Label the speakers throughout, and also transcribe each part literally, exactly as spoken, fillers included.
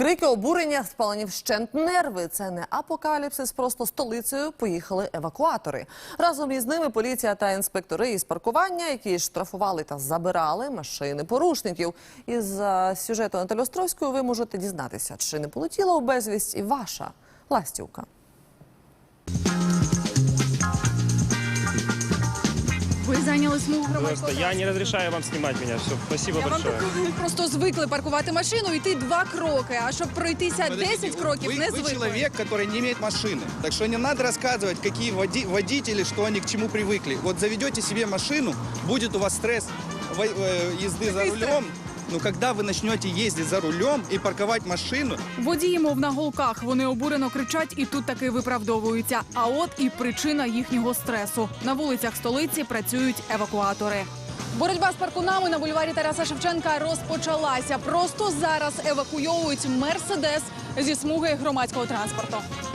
Speaker 1: Крики обурення, спалені вщент нерви. Це не апокаліпсис, просто столицею поїхали евакуатори. Разом із ними поліція та інспектори із паркування, які штрафували та забирали машини порушників. Із сюжету Наталі Островської ви можете дізнатися, чи не полетіла у безвість і ваша ластівка.
Speaker 2: Вы заняли смугу громадського
Speaker 3: Я не разрешаю вам снимать меня. Все, спасибо
Speaker 2: Я
Speaker 3: большое.
Speaker 2: вам так, просто звикли паркувати машину, йти два кроки, а щоб пройтися десять кроків,
Speaker 4: вы,
Speaker 2: не
Speaker 4: вы
Speaker 2: звикли.
Speaker 4: человек, который не имеет машины. Так что не надо рассказывать, какие води водители, что они к чему привыкли. Вот заведете себе машину, будет у вас стресс езды за рулем. Но когда вы начнете ездить за рулем и парковать машину...
Speaker 2: Водії, мов на голках, вони обурено кричать і тут таки виправдовуються. А от і причина їхнього стресу. На вулицях столиці працюють евакуатори. Боротьба з паркунами на бульварі Тараса Шевченка розпочалася. Просто зараз евакуйовують «Мерседес» зі смуги громадського транспорту.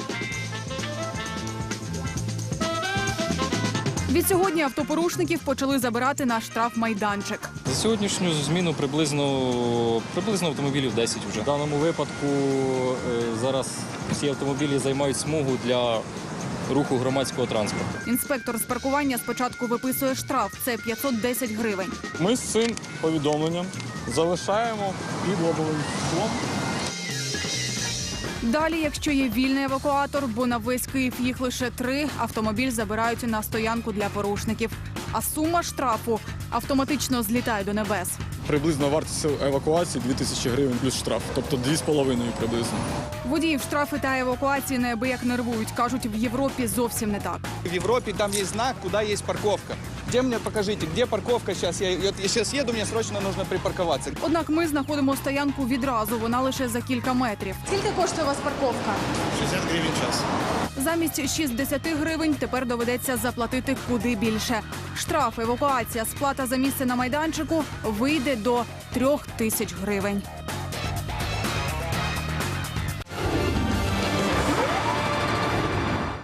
Speaker 2: Відсьогодні автопорушників почали забирати на штрафмайданчик.
Speaker 5: За сьогоднішню зміну приблизно, приблизно автомобілів десять вже. В даному випадку е, зараз всі автомобілі займають смугу для руху громадського транспорту.
Speaker 2: Інспектор з паркування спочатку виписує штраф – це п'ятсот десять гривень.
Speaker 6: Ми з цим повідомленням залишаємо під лобовим склом.
Speaker 2: Далі, якщо є вільний евакуатор, бо на весь Київ їх лише три, автомобіль забирають на стоянку для порушників. А сума штрафу автоматично злітає до небес.
Speaker 6: Приблизно вартість евакуації дві тисячі гривень плюс штраф, тобто дві з половиною приблизно.
Speaker 2: Водіїв штрафи та евакуації неабияк нервують. Кажуть, в Європі зовсім не так.
Speaker 4: В Европе там есть знак, куда есть парковка. Где мне покажите, где парковка сейчас? Я, я сейчас еду, мне срочно нужно припарковаться.
Speaker 2: Однак ми знаходимо стоянку відразу, вона лише за кілька метрів. Скільки коштує у вас парковка?
Speaker 4: шестьдесят гривен в час.
Speaker 2: Замість шістдесят гривень тепер доведеться заплатити куди більше. Штраф, евакуація, сплата за місце на майданчику вийде до трьох тисяч гривень.